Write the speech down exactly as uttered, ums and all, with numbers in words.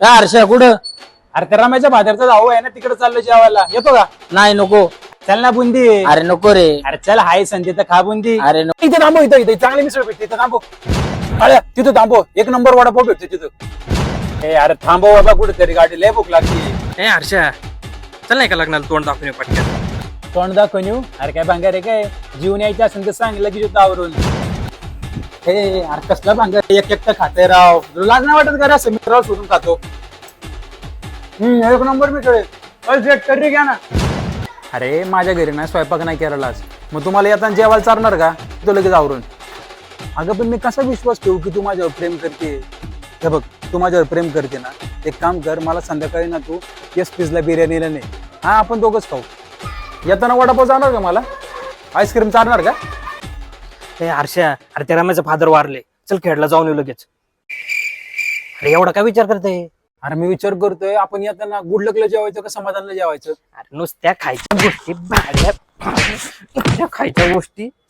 काय हर्षा कुठं? अरे त्या रम्याच्या भाद्याचा भाऊ आहे ना तिकडे चाललो जेवायला, येतो का? नाही नको. चल ना बुंदी. अरे नको रे. अरे चल हाय संधी तर खा बुंदी. अरे नको. इथे थांबो, इथं इथे चांगली मिसळ भेटते, इथं थांबो. अरे तिथं थांबो, एक नंबर वडापाव भेटतो तिथं. ए अरे थांबव बाबा, कुठेतरी गाडी लय भूक लागली. ए हर्षा, चल नाही का लग्नाला तोंड दाखवून येऊ पटकन. तोंड दाखवून येऊ? अरे काय भांगार आहे काय? जीवन यायचं असेल तर सांग, लगेच येतो आवरून. हे अरे कसला भांगार, एक एकटं खाते राव. तुला लाज नाही वाटत का रे असं मित्राला सोडून खातो? हम्म एक नंबर मिसळ आहे. तरी घ्या ना. अरे माझ्या घरी ना स्वयंपाक नाही केला आज, मग तुम्हाला येताना जेवायला चालणार का? तो लगेच आवरून. अगं पण मी कसा विश्वास ठेवू की तू माझ्यावर प्रेम करते? हे बघ, तू माझ्यावर प्रेम करते ना, एक काम कर, मला संध्याकाळी ना तू एस पीसला बिर्याणीला नाही, हा आपण दोघंच खाऊ. येताना वडापाव जाणार का? मला आईस्क्रीम चालणार का? ए हर्षा, अरे त्या रम्याचे फादर वारले, चल खेळला जाऊन येऊ लगेच. अरे एवढा काय विचार करते? अरे मी विचार करतोय, आपण येताना गुडलकला जेवायचं का समाधानला जेवायचं? अरे नुसत्या खायच्या गोष्टी भाड्या नुसत्या खायच्या गोष्टी